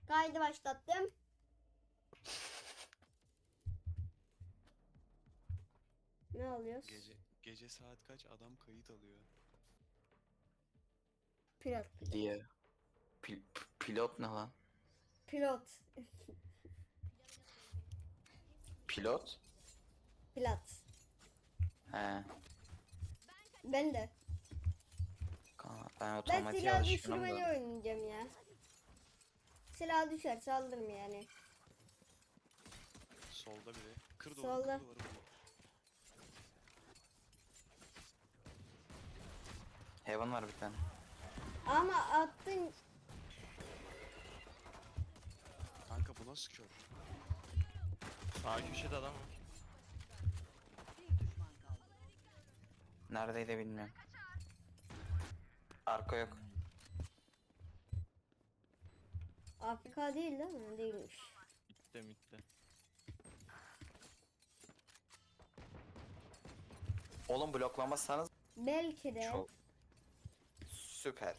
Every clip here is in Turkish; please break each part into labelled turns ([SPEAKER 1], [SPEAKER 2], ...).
[SPEAKER 1] Kaydı başlattım. Ne alıyoruz?
[SPEAKER 2] Gece saat kaç adam kayıt alıyor.
[SPEAKER 1] Pilot.
[SPEAKER 3] Diye. Pilot ne lan?
[SPEAKER 1] Pilot.
[SPEAKER 3] Pilot?
[SPEAKER 1] Pilot.
[SPEAKER 3] He.
[SPEAKER 1] Ben de.
[SPEAKER 3] Ben
[SPEAKER 1] Ben
[SPEAKER 3] otomatiğe
[SPEAKER 1] silah
[SPEAKER 3] alışkınım
[SPEAKER 1] düşürmeyi
[SPEAKER 3] da.
[SPEAKER 1] oynayacağım ya. Silah düşer saldırım yani.
[SPEAKER 2] Solda biri. Kır duvarı,
[SPEAKER 1] Solda.
[SPEAKER 2] kır duvarı.
[SPEAKER 3] Heaven var bir tane.
[SPEAKER 1] Ama attın.
[SPEAKER 2] Kanka bu nasıl kör?
[SPEAKER 4] Sağ köşede adam var.
[SPEAKER 3] Neredeydi bilmiyorum. Arka yok.
[SPEAKER 1] Afrika değil değil mi? Değilmiş.
[SPEAKER 4] Mitte.
[SPEAKER 3] Oğlum bloklamazsanız
[SPEAKER 1] Belki de
[SPEAKER 3] çok süper.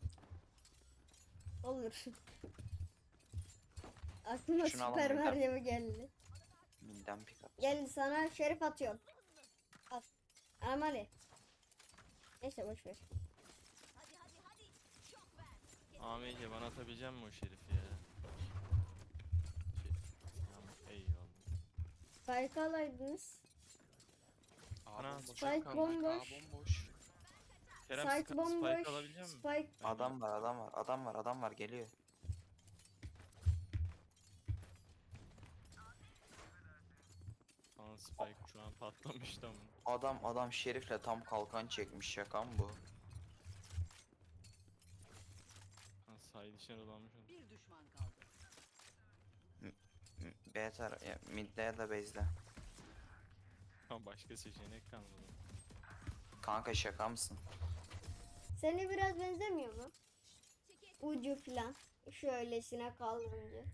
[SPEAKER 1] olur. Aklıma
[SPEAKER 3] Şunu
[SPEAKER 1] Süper
[SPEAKER 3] alalım,
[SPEAKER 1] Mario geldi.
[SPEAKER 3] Midden pick up.
[SPEAKER 1] Gel sana şerif atıyorum. At. Amali. Neyse boş ver.
[SPEAKER 4] AMC bana atabilecek misin o şerifi ya? Tamam, eyvallah.
[SPEAKER 1] Spike alaydınız.
[SPEAKER 4] Ana,
[SPEAKER 2] Bomboş.
[SPEAKER 1] Spike
[SPEAKER 2] Kanka,
[SPEAKER 1] bomboş.
[SPEAKER 2] bomboş.
[SPEAKER 4] Kerem
[SPEAKER 1] Spike bomboş.
[SPEAKER 4] Spike alabilecek misin?
[SPEAKER 1] Spike.
[SPEAKER 3] Adam var geliyor.
[SPEAKER 4] Aa, Spike şu an patlamış tamam.
[SPEAKER 3] Adam şerifle tam kalkan çekmiş, şaka mı bu?
[SPEAKER 4] Ha, side içine dolanmış onu.
[SPEAKER 5] Bir düşman kaldı.
[SPEAKER 3] Mid'de ya da base'de.
[SPEAKER 4] Ha, başka seçenek kalmadı.
[SPEAKER 3] Kanka şaka mısın?
[SPEAKER 1] Seni biraz benzemiyor mu? Ucu filan. Şöylesine kaldırınca.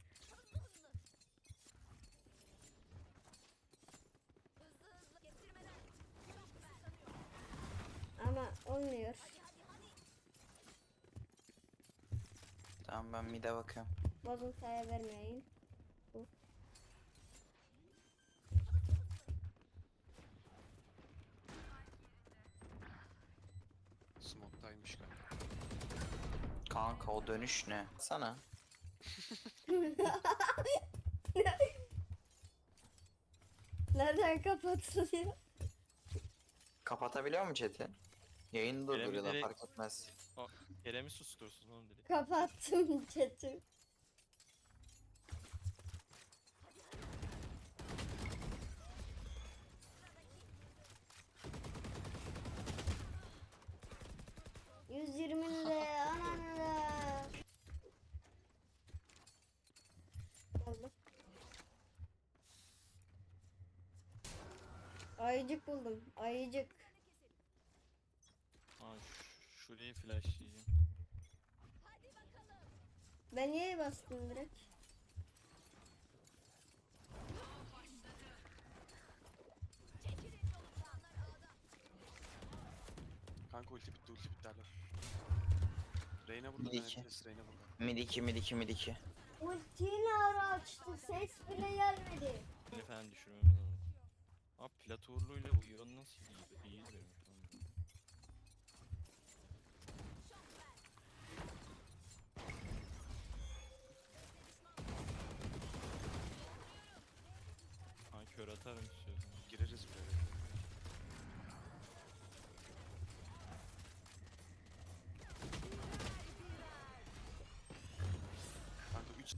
[SPEAKER 1] Ama olmuyor.
[SPEAKER 3] Tamam, ben mid'e bakıyorum.
[SPEAKER 1] Bozuntuya vermeyin.
[SPEAKER 2] Smoke'taymış kanka.
[SPEAKER 3] Kanka o dönüş ne? Sana.
[SPEAKER 1] Nereden kapatılıyor?
[SPEAKER 3] Kapatabiliyor mu chat'i? Yayını durduruyor da
[SPEAKER 4] direkt-
[SPEAKER 3] fark etmez.
[SPEAKER 4] O Kerem'i sustursun oğlum direkt.
[SPEAKER 1] Kapattım chat'i. ...120'li ananı. Oldu. Ayıcık buldum. Ayıcık.
[SPEAKER 4] Aa, şurayı flashlayacağım.
[SPEAKER 1] Ben niye bastım direkt?
[SPEAKER 2] Kanka ulti bitti alo. Reyna burada,
[SPEAKER 3] Bir iki.
[SPEAKER 2] Nenefres Reyna burada.
[SPEAKER 3] Mid 2.
[SPEAKER 1] Ultini ara açtı. Ses bile gelmedi.
[SPEAKER 4] Beni falan düşürmemiz lazım. Abi platorluyla bu yön nasıl iyi diyorum. Ha, kör atarım istiyorsan.
[SPEAKER 2] Gireriz buraya. Kanka 3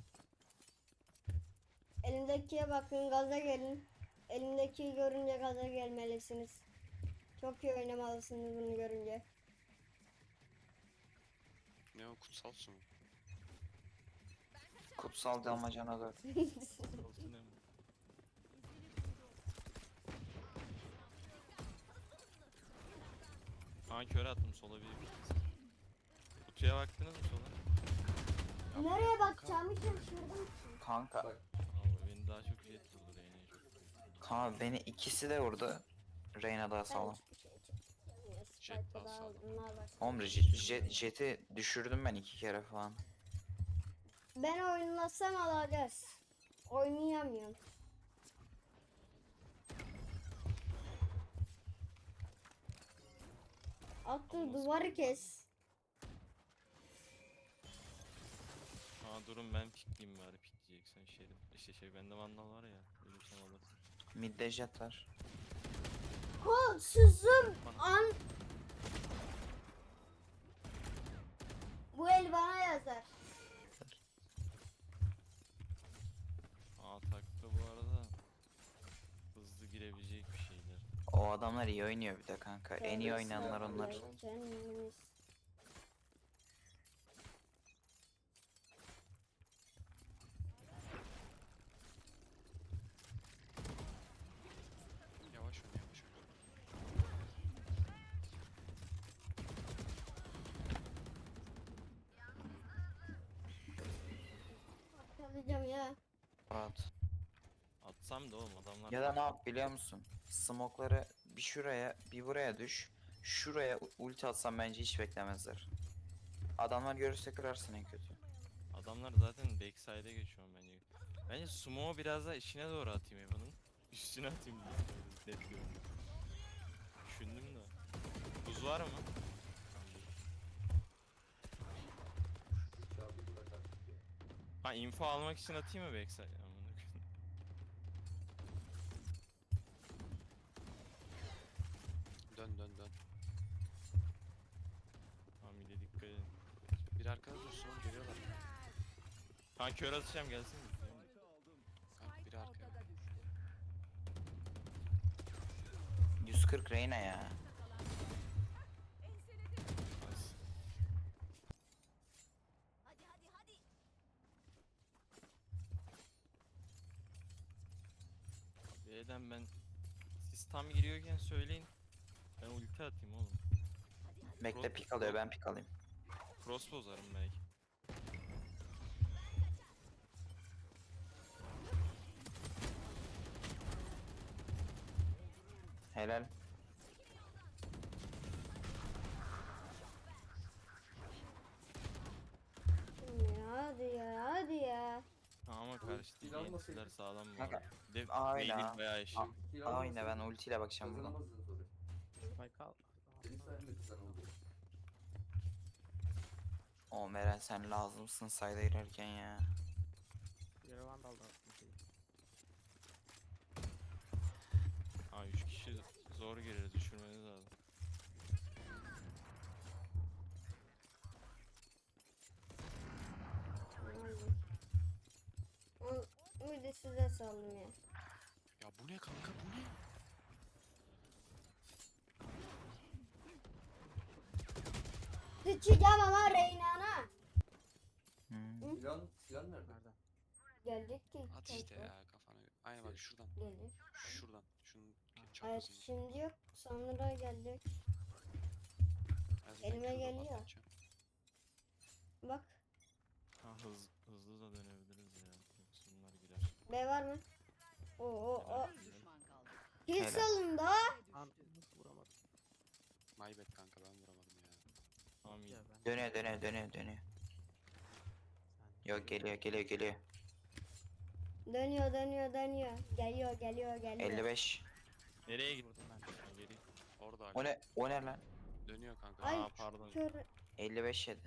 [SPEAKER 1] Elimdekiye bakın, gaza gelin. Elimdekiyi görünce gaza gelmelisiniz. Çok iyi oynamalısınız bunu görünce.
[SPEAKER 2] ne o kutsal su mu?
[SPEAKER 3] Kutsal damacana 4.
[SPEAKER 4] Olsun hem. Ha, kör attım sola bir. Kutuya baktınız mı sola?
[SPEAKER 1] Nereye bakacağımı şaşırdım.
[SPEAKER 3] Kanka.
[SPEAKER 4] Abi beni daha çok jet vurdu Reyna'yı çok.
[SPEAKER 3] Kanka beni ikisi de vurdu. Reyna daha sağlam.
[SPEAKER 4] Jet daha sağlam.
[SPEAKER 3] Oğlum jet'i düşürdüm ben 2 kere falan.
[SPEAKER 1] Ben oynasam alacağız. Oynayamıyorum. Attı duvarı kes.
[SPEAKER 4] Aa durun ben pikleyeyim bari pikleyeceksen Şerif. İşte şey bende vandal var ya. Ölürsem alırsın.
[SPEAKER 3] Midde jet var.
[SPEAKER 1] Ha sızım an. Bu el bana yazar.
[SPEAKER 4] Aa takta bu arada hızlı girebilecek bir şeyler.
[SPEAKER 3] O adamlar iyi oynuyor bir de kanka. En iyi oynayanlar onlar.
[SPEAKER 1] Kendimiz.
[SPEAKER 2] Yavaş oyna yavaş oyna.
[SPEAKER 1] Çalacağım ya.
[SPEAKER 3] Rahat.
[SPEAKER 4] Atsam da oğlum adamlar.
[SPEAKER 3] Ya da ne yap biliyor musun? Smoke'ları bir şuraya bir buraya düş. Şuraya ulti atsam bence hiç beklemezler. Adamlar görürse kırarsın en kötü.
[SPEAKER 4] Adamlar zaten backside'e geçiyor bence. Bence smoke'u biraz daha içine doğru atayım Evan'ın. Üstüne atayım diye. Net görünüyor. Düşündüm de. Buz var mı? Ha info almak için atayım mı backside? Amına koyayım.
[SPEAKER 2] Dön dön dön.
[SPEAKER 4] Tamam bir de dikkat edin.
[SPEAKER 2] Bir arkada dursun oğlum geliyorlar.
[SPEAKER 4] Ha kör atacağım gelsin mi?
[SPEAKER 2] Kanka biri arkaya.
[SPEAKER 3] 140 Reyna ya.
[SPEAKER 4] B'den ben siz tam giriyorken söyleyin. Ben ulti atayım oğlum.
[SPEAKER 3] Bekle pik alıyor ben pik alayım.
[SPEAKER 4] Cross bozarım belki.
[SPEAKER 3] Helal.
[SPEAKER 1] Hadi ya hadi ya.
[SPEAKER 4] Ama karşı değil yeniler sağlam bu
[SPEAKER 3] Kanka,
[SPEAKER 4] arada. Bir de
[SPEAKER 3] aynen.
[SPEAKER 4] beynin bayağı eşit.
[SPEAKER 3] Aynen ben ultiyle bakacağım buradan. O Meren sen lazımsın sayda girerken ya.
[SPEAKER 4] Ha 3 kişi zor gireriz düşürmeniz lazım.
[SPEAKER 1] Bir de size saldım ya.
[SPEAKER 2] Ya bu ne kanka bu ne?
[SPEAKER 1] Sıçacağım ama Reyna'na.
[SPEAKER 3] Hmm.
[SPEAKER 5] Silah nerede?
[SPEAKER 1] Gelecek ki.
[SPEAKER 2] At işte ya kafana. Aynen bak şuradan.
[SPEAKER 1] Gelir.
[SPEAKER 2] Şuradan. Şunun
[SPEAKER 1] Hayır
[SPEAKER 2] çaprazını.
[SPEAKER 1] şimdi yok. Sonra gelecek.
[SPEAKER 2] Ben zaten
[SPEAKER 1] elime
[SPEAKER 2] Q'dan
[SPEAKER 1] geliyor.
[SPEAKER 2] atacağım.
[SPEAKER 1] Bak.
[SPEAKER 4] Ha hızlı da dönebiliriz ya. Yoksa bunlar girer.
[SPEAKER 1] B var mı? Oo. Kill
[SPEAKER 3] Helal.
[SPEAKER 1] salın da.
[SPEAKER 2] My bad kanka ben vuramadım ya.
[SPEAKER 4] Tamam iyi.
[SPEAKER 3] Dönüyor. Yok geliyor.
[SPEAKER 1] Dönüyor. Geliyor.
[SPEAKER 3] 55.
[SPEAKER 4] Nereye gittin? Ha, geri.
[SPEAKER 2] Orada
[SPEAKER 3] O
[SPEAKER 2] hala.
[SPEAKER 3] ne? O ne lan?
[SPEAKER 2] Dönüyor kanka.
[SPEAKER 1] Ay
[SPEAKER 4] Aa pardon.
[SPEAKER 1] kör.
[SPEAKER 3] 55 yedi.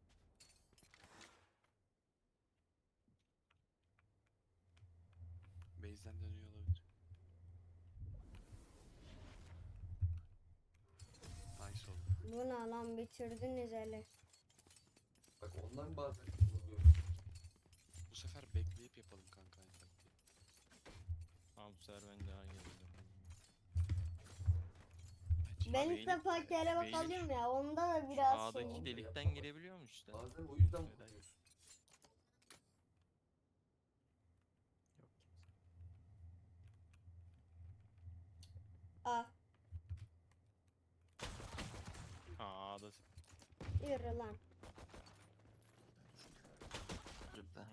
[SPEAKER 2] Base'den dönüyor olabilir. Nice oldu.
[SPEAKER 1] Bu ne lan bitirdiniz hele.
[SPEAKER 5] Bak ondan bazen
[SPEAKER 2] Bu sefer bekleyip yapalım kanka aynı taktiği.
[SPEAKER 4] Tamam bu sefer ben daha geleceğim.
[SPEAKER 1] Ben
[SPEAKER 4] Abi
[SPEAKER 1] ilk defa kere
[SPEAKER 4] beyni-
[SPEAKER 1] bakalım ya. Onda da biraz
[SPEAKER 4] Sağdaki
[SPEAKER 1] şey.
[SPEAKER 4] delikten girebiliyormuş işte.
[SPEAKER 5] bazen o yüzden
[SPEAKER 4] Neden?
[SPEAKER 5] vuruyorsun.
[SPEAKER 1] Ah
[SPEAKER 4] Ha da.
[SPEAKER 1] yürü lan.
[SPEAKER 3] Burada.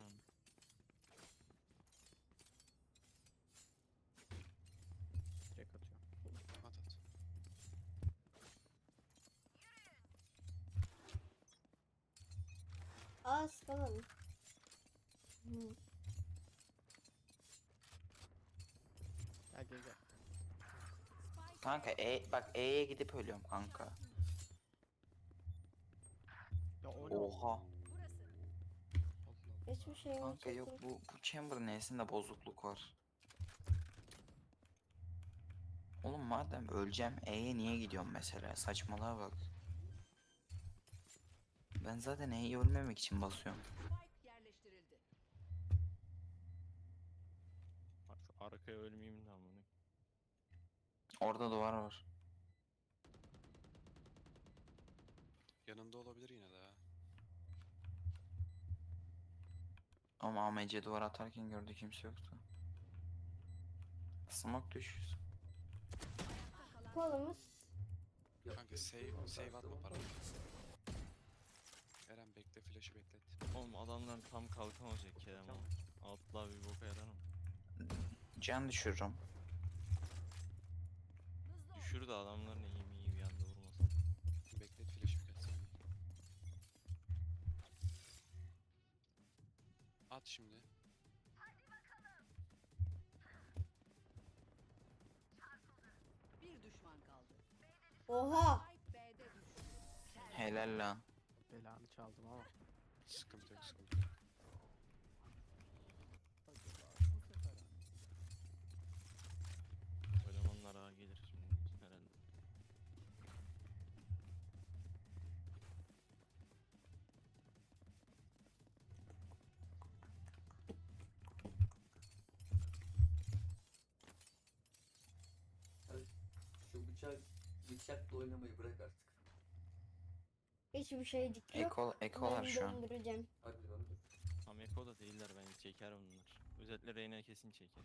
[SPEAKER 2] At at.
[SPEAKER 1] Az kalalım. Hı.
[SPEAKER 6] Gel gel gel.
[SPEAKER 3] Kanka bak E'ye gidip ölüyorum kanka.
[SPEAKER 6] Ya o ne?
[SPEAKER 3] Oha.
[SPEAKER 6] Allah
[SPEAKER 1] Hiçbir şeyim
[SPEAKER 3] Kanka yok
[SPEAKER 1] yok.
[SPEAKER 3] bu chamber neyesinde bozukluk var. Oğlum madem öleceğim E'ye niye gidiyorum mesela? Saçmalığa bak. Ben zaten E'yi ölmemek için basıyorum.
[SPEAKER 4] Bak şu arkaya ölmeyeyim de amına.
[SPEAKER 3] Orada duvar var.
[SPEAKER 2] Yanında olabilir yine de ha.
[SPEAKER 3] Ama AMC duvar atarken gördü kimse yoktu. Smoke düş.
[SPEAKER 1] Kolumuz.
[SPEAKER 2] Kanka save atma para. Eren bekle, flash'ı beklet.
[SPEAKER 4] Oğlum adamlar tam kalkamayacak Kerem
[SPEAKER 6] Tamam.
[SPEAKER 4] oğlum. Atla bir boka yaramam.
[SPEAKER 3] Can düşürürüm.
[SPEAKER 4] Düşür de adamların iyi bir anda vurmasın.
[SPEAKER 2] Beklet flash'ı birkaç saniye. At şimdi.
[SPEAKER 7] Bir düşman kaldı.
[SPEAKER 1] Oha.
[SPEAKER 7] Spike B'de düştü.
[SPEAKER 3] Helal lan.
[SPEAKER 6] Belanı çaldım ama.
[SPEAKER 2] Sıkıntı yok, sıkıntı yok.
[SPEAKER 4] Elemanlar ağa gelir şimdi herhalde.
[SPEAKER 5] Şu bıçakla oynamayı bırak artık.
[SPEAKER 1] Hiçbir şeycik yok.
[SPEAKER 3] Ekolar
[SPEAKER 1] Ben
[SPEAKER 3] şu an.
[SPEAKER 1] döndüreceğim.
[SPEAKER 5] Hadi lan dur.
[SPEAKER 4] Tam Eko'da değiller bence çeker bunlar. Özellikle Reyna kesin çeker.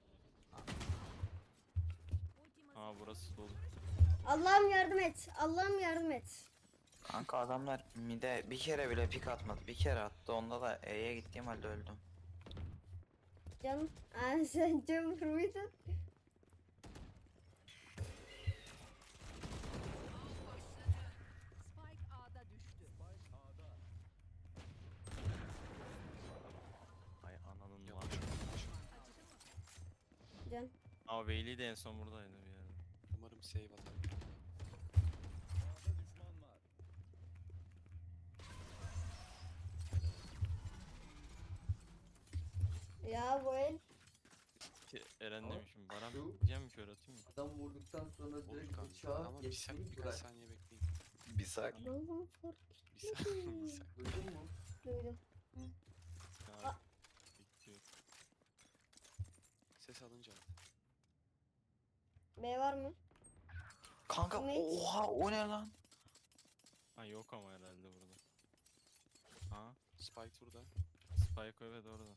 [SPEAKER 4] Aa burası dolu.
[SPEAKER 1] Allah'ım yardım et. Allah'ım yardım et.
[SPEAKER 3] Kanka adamlar mid'e bir kere bile pik atmadı. Bir kere attı. Onda da E'ye gittiğim halde öldüm.
[SPEAKER 1] Canım. Aa, sen Cumhur muydun?
[SPEAKER 7] Spike A'da düştü.
[SPEAKER 4] Ay ananın
[SPEAKER 2] Yavaş
[SPEAKER 4] var.
[SPEAKER 2] yavaş.
[SPEAKER 1] Can.
[SPEAKER 4] Aa Veyli de en son buradaydı bir yerde.
[SPEAKER 2] Umarım save atar.
[SPEAKER 1] Ya bu el.
[SPEAKER 4] Eren
[SPEAKER 5] Ama
[SPEAKER 4] demişim. Baran
[SPEAKER 5] şu-
[SPEAKER 4] diyeceğim mi kör atayım mı?
[SPEAKER 5] Adam vurduktan sonra
[SPEAKER 2] Olur
[SPEAKER 5] direkt
[SPEAKER 2] kanka
[SPEAKER 5] bıçağı
[SPEAKER 2] ama
[SPEAKER 5] geçmeyi
[SPEAKER 2] birkaç
[SPEAKER 5] bırak.
[SPEAKER 2] saniye bekleyin.
[SPEAKER 3] Bir sak.
[SPEAKER 1] Allah'ım kork.
[SPEAKER 2] Bir saniye. Bir saniye.
[SPEAKER 5] Duydun mu?
[SPEAKER 1] Duydum.
[SPEAKER 4] Ha, bekliyor.
[SPEAKER 2] Ses alınca at.
[SPEAKER 1] B var mı?
[SPEAKER 3] Kanka
[SPEAKER 1] Ne?
[SPEAKER 3] oha o ne lan?
[SPEAKER 4] Ha yok ama herhalde burada. Ha
[SPEAKER 2] Spike burada.
[SPEAKER 4] Spike evet orada.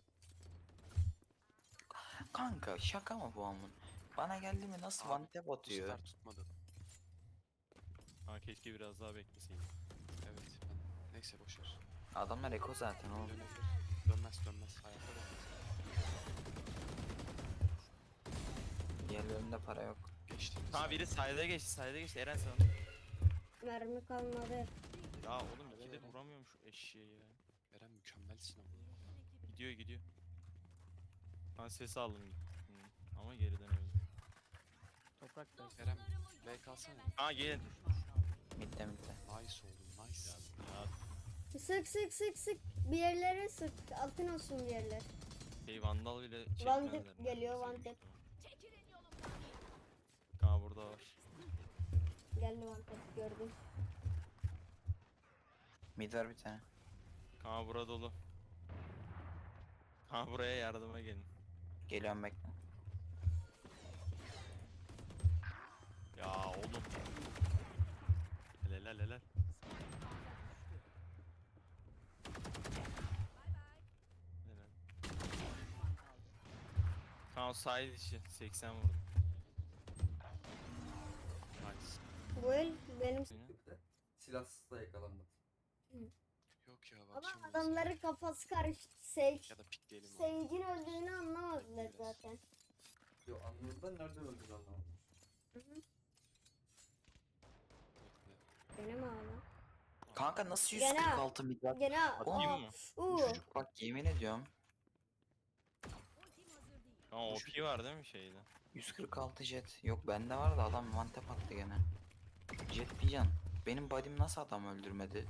[SPEAKER 3] Kanka şaka mı bu amın? Bana geldi mi nasıl
[SPEAKER 2] Abi,
[SPEAKER 3] one tap
[SPEAKER 2] Bu
[SPEAKER 3] atıyor?
[SPEAKER 2] sefer tutmadı.
[SPEAKER 4] Ha keşke biraz daha bekleseydim.
[SPEAKER 2] Evet. Neyse boşver.
[SPEAKER 3] Adamlar eko zaten oğlum.
[SPEAKER 2] Dönebilir. Dönmez. Hayatta dönmez.
[SPEAKER 3] Diğerlerinde para yok.
[SPEAKER 2] Geçtiğimiz
[SPEAKER 4] Ha
[SPEAKER 2] saniye.
[SPEAKER 4] biri sayda geçti Eren sana.
[SPEAKER 1] Mermi kalmadı.
[SPEAKER 4] Ya oğlum ikidir vuramıyorum şu eşeği ya.
[SPEAKER 2] Eren mükemmelsin ama.
[SPEAKER 4] Gidiyor. Ben ses aldım. Hı. Ama geriden öldü.
[SPEAKER 6] Toprak da.
[SPEAKER 2] Eren B kalsana.
[SPEAKER 4] Ha gelin.
[SPEAKER 3] Midde.
[SPEAKER 2] Nice oldu. Nice.
[SPEAKER 4] Ya
[SPEAKER 1] Sık. Bir yerlere sık. Altın olsun bir yerler.
[SPEAKER 4] şey vandal bile
[SPEAKER 1] One
[SPEAKER 4] çekmezler.
[SPEAKER 1] tap geliyor, one tap.
[SPEAKER 4] Ha burada var.
[SPEAKER 1] Geldi mantık gördüm.
[SPEAKER 3] Mid var bir tane.
[SPEAKER 4] Ha bura dolu. Ha buraya yardıma gelin.
[SPEAKER 3] Geliyorum bekle.
[SPEAKER 4] Ya oğlum. Helal. Helal. Tamam side içi 80 vurdum.
[SPEAKER 2] Nice.
[SPEAKER 1] Bu el benim.
[SPEAKER 5] Bir de silahsız da yakalanmadı.
[SPEAKER 2] Yok ya
[SPEAKER 1] Ama
[SPEAKER 2] bakacağım ben
[SPEAKER 1] adamların kafası karıştı. Sage.
[SPEAKER 2] sana. Ya da pikleyelim onu.
[SPEAKER 1] Sage'in öldüğünü anlamadılar zaten.
[SPEAKER 5] Yo anladılar nereden öldüğünü anlamadım.
[SPEAKER 2] Bekle.
[SPEAKER 1] Gene mi ağla?
[SPEAKER 3] Kanka nasıl
[SPEAKER 1] Gene-
[SPEAKER 3] 146 mid var?
[SPEAKER 1] Gene
[SPEAKER 3] Atayım
[SPEAKER 1] aa,
[SPEAKER 4] mı?
[SPEAKER 1] uu.
[SPEAKER 3] Çocuk bak yemin ediyorum.
[SPEAKER 4] Tamam OP var değil mi şeyde?
[SPEAKER 3] 146 jet. Yok bende var da adam mantep attı gene. Jet diyeceksin. Benim body'm nasıl adam öldürmedi?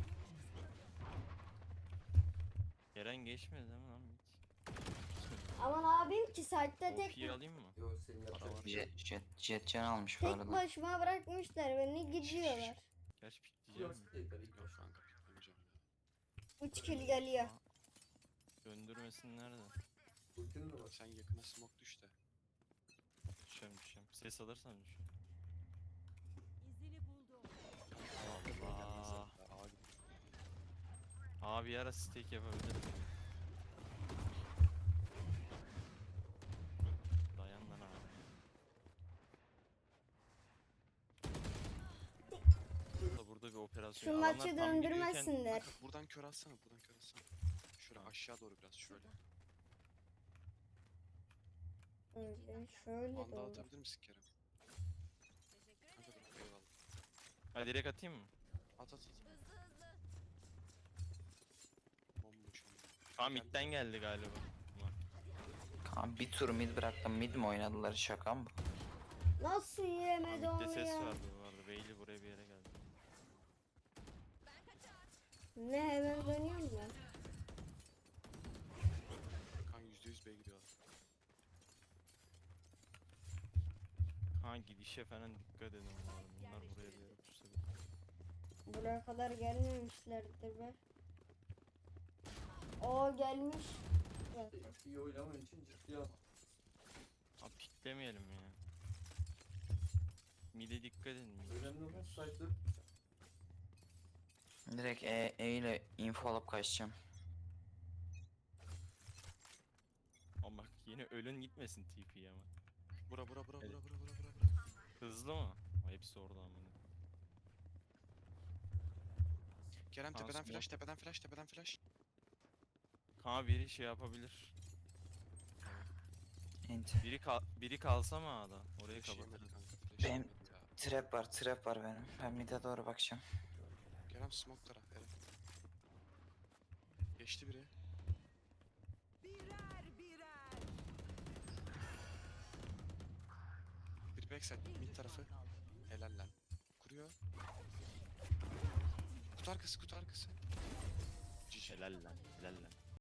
[SPEAKER 4] Eren geçmedi değil mi lan?
[SPEAKER 1] Aman abim ki site'de tek
[SPEAKER 4] OP'yi alayım mı?
[SPEAKER 5] Yok senin yapacak
[SPEAKER 4] var.
[SPEAKER 5] bir şey yok.
[SPEAKER 3] Jet can almış bu
[SPEAKER 1] tek
[SPEAKER 3] arada.
[SPEAKER 1] başıma bırakmışlar beni gidiyorlar.
[SPEAKER 4] Gerçi
[SPEAKER 5] Yok
[SPEAKER 4] pikleyeceğim mi?
[SPEAKER 5] değil tabii ilk
[SPEAKER 2] Yok
[SPEAKER 5] başta.
[SPEAKER 2] kanka piklemeyeceğim ya.
[SPEAKER 1] 3 kill geliyor.
[SPEAKER 4] Döndürmesinler de.
[SPEAKER 5] Ultin de var.
[SPEAKER 2] Sen yakına smoke düş de.
[SPEAKER 4] Düşeceğim düşeceğim. Ses alırsan düşeceğim.
[SPEAKER 7] İzini buldum.
[SPEAKER 4] Allah.
[SPEAKER 2] Ağa git.
[SPEAKER 4] Abi bir ara steak yapabilirim. Dayan lan abi. Burada bir operasyon.
[SPEAKER 1] Şu
[SPEAKER 4] Adamlar
[SPEAKER 1] maçı
[SPEAKER 4] tam gidiyorken
[SPEAKER 1] döndürmesinler.
[SPEAKER 2] Kanka buradan kör alsana, buradan kör alsana. Şöyle aşağı doğru biraz şöyle.
[SPEAKER 1] Öyle şöyle de
[SPEAKER 2] Anda
[SPEAKER 1] olur.
[SPEAKER 2] atabilir misin Kerem? Kanka dur eyvallah.
[SPEAKER 4] Ha direkt atayım mı?
[SPEAKER 2] At at at. Bomboş ama.
[SPEAKER 4] Tamam
[SPEAKER 2] Geldi.
[SPEAKER 4] midden geldi galiba. Ulan.
[SPEAKER 3] Kaan bir tur mid bıraktım. Mid mi oynadılar, şaka mı bu?
[SPEAKER 1] Nasıl
[SPEAKER 4] Tamam,
[SPEAKER 1] yiyemedi
[SPEAKER 4] midde
[SPEAKER 1] onu
[SPEAKER 4] ses
[SPEAKER 1] ya?
[SPEAKER 4] vardı bu arada. Beyli buraya bir yere geldi.
[SPEAKER 1] Ne hemen dönüyorum ben.
[SPEAKER 2] Kan %100 B gidiyorlar.
[SPEAKER 4] Ha gidişe falan dikkat edin bu arada. Bunlar buraya bir yere pusadı.
[SPEAKER 1] Buraya kadar gelmemişlerdir be. O gelmiş. Zaten.
[SPEAKER 5] İyi oynaman için ciddiye al.
[SPEAKER 4] Abi piklemeyelim ya. Mide dikkat edin. mide
[SPEAKER 5] Önemli olan
[SPEAKER 4] çıkıyoruz.
[SPEAKER 5] site'de
[SPEAKER 3] Direkt E ile info alıp kaçacağım.
[SPEAKER 4] Ama bak yine ölün gitmesin TP'ye ama.
[SPEAKER 2] Bura bura bura
[SPEAKER 4] Evet.
[SPEAKER 2] bura bura bura bura.
[SPEAKER 4] Hızlı mı? Ama hepsi orada ama.
[SPEAKER 2] Kerem
[SPEAKER 4] Tamam,
[SPEAKER 2] tepeden
[SPEAKER 4] smoke.
[SPEAKER 2] flash, tepeden flash, tepeden flash.
[SPEAKER 4] Ha biri şey yapabilir.
[SPEAKER 3] Enti.
[SPEAKER 4] Biri kalsa mı A'da? Orayı
[SPEAKER 2] Flash yemedi
[SPEAKER 4] kapatırız.
[SPEAKER 2] kanka, flash
[SPEAKER 3] Ben-
[SPEAKER 2] yemedi ya.
[SPEAKER 3] Trap var benim. Ben mid'e doğru bakacağım.
[SPEAKER 2] Kerem smoke'lara, evet. Geçti biri.
[SPEAKER 7] Birer birer.
[SPEAKER 2] Bir backside,
[SPEAKER 7] Bir
[SPEAKER 2] mid
[SPEAKER 7] düşman
[SPEAKER 2] tarafı.
[SPEAKER 7] kaldı.
[SPEAKER 2] Helal lan. Kuruyor. Kutu arkası, kutu arkası. Cici.
[SPEAKER 4] Helal lan. Helal lan.